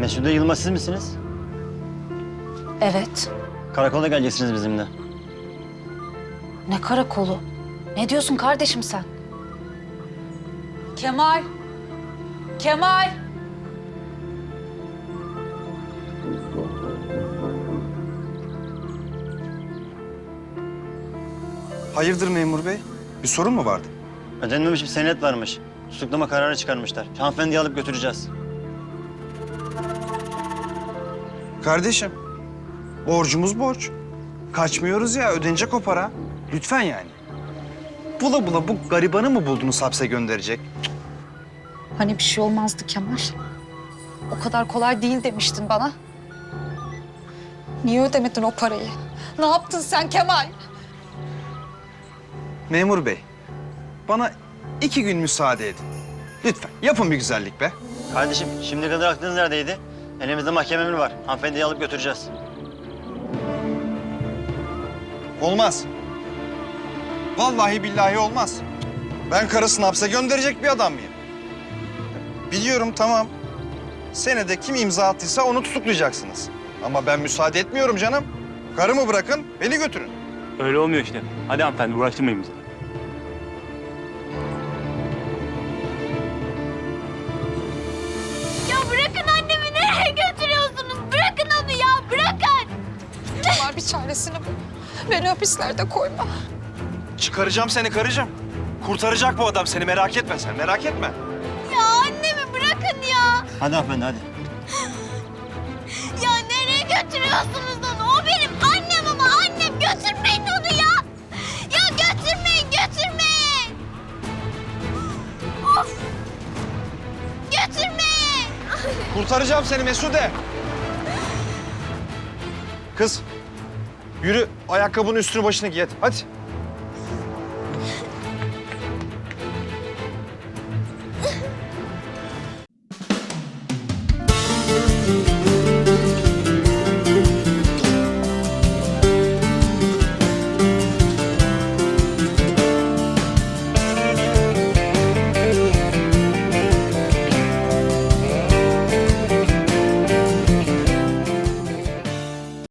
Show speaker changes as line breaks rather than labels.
Mesude Yılmaz siz misiniz?
Evet.
Karakola geleceksiniz bizimle.
Ne karakolu? Ne diyorsun kardeşim sen? Kemal! Kemal!
Hayırdır memur bey? Bir sorun mu vardı?
Ödenmemiş bir senet varmış. Tutuklama kararı çıkarmışlar. Hanımefendiyi alıp götüreceğiz.
Kardeşim, borcumuz borç. Kaçmıyoruz ya, ödenecek o para. Lütfen yani. Bula bula bu garibanı mı buldunuz hapse gönderecek?
Hani bir şey olmazdı Kemal? O kadar kolay değil demiştin bana. Niye ödemedin o parayı? Ne yaptın sen Kemal?
Memur bey, bana 2 gün müsaade edin. Lütfen, yapın bir güzellik be.
Kardeşim şimdiye kadar aklınız neredeydi? Elimizde mahkeme emri var. Hanımefendiyi alıp götüreceğiz.
Olmaz. Vallahi billahi olmaz. Ben karısını hapse gönderecek bir adam mıyım? Biliyorum tamam. Senede kim imza attıysa onu tutuklayacaksınız. Ama ben müsaade etmiyorum canım. Karımı bırakın, beni götürün.
Öyle olmuyor işte. Hadi hanımefendi uğraştırmayın bizi.
Ya bırakın annemi, nereye götürüyorsunuz? Bırakın onu ya, bırakın.
Kemal bir çaresini bul. Beni hapislerde koyma.
Çıkaracağım seni karıcığım. Kurtaracak bu adam seni, merak etme sen, merak etme.
Ya annemi bırakın ya.
Hadi hanımefendi hadi.
Ya nereye götürüyorsunuz onu? O benim annem ama annem. Götürmeyin onu ya. Ya götürmeyin, götürmeyin. Of. Götürmeyin.
Kurtaracağım seni Mesude. Kız, yürü ayakkabının üstünü başını giy hadi. Hadi.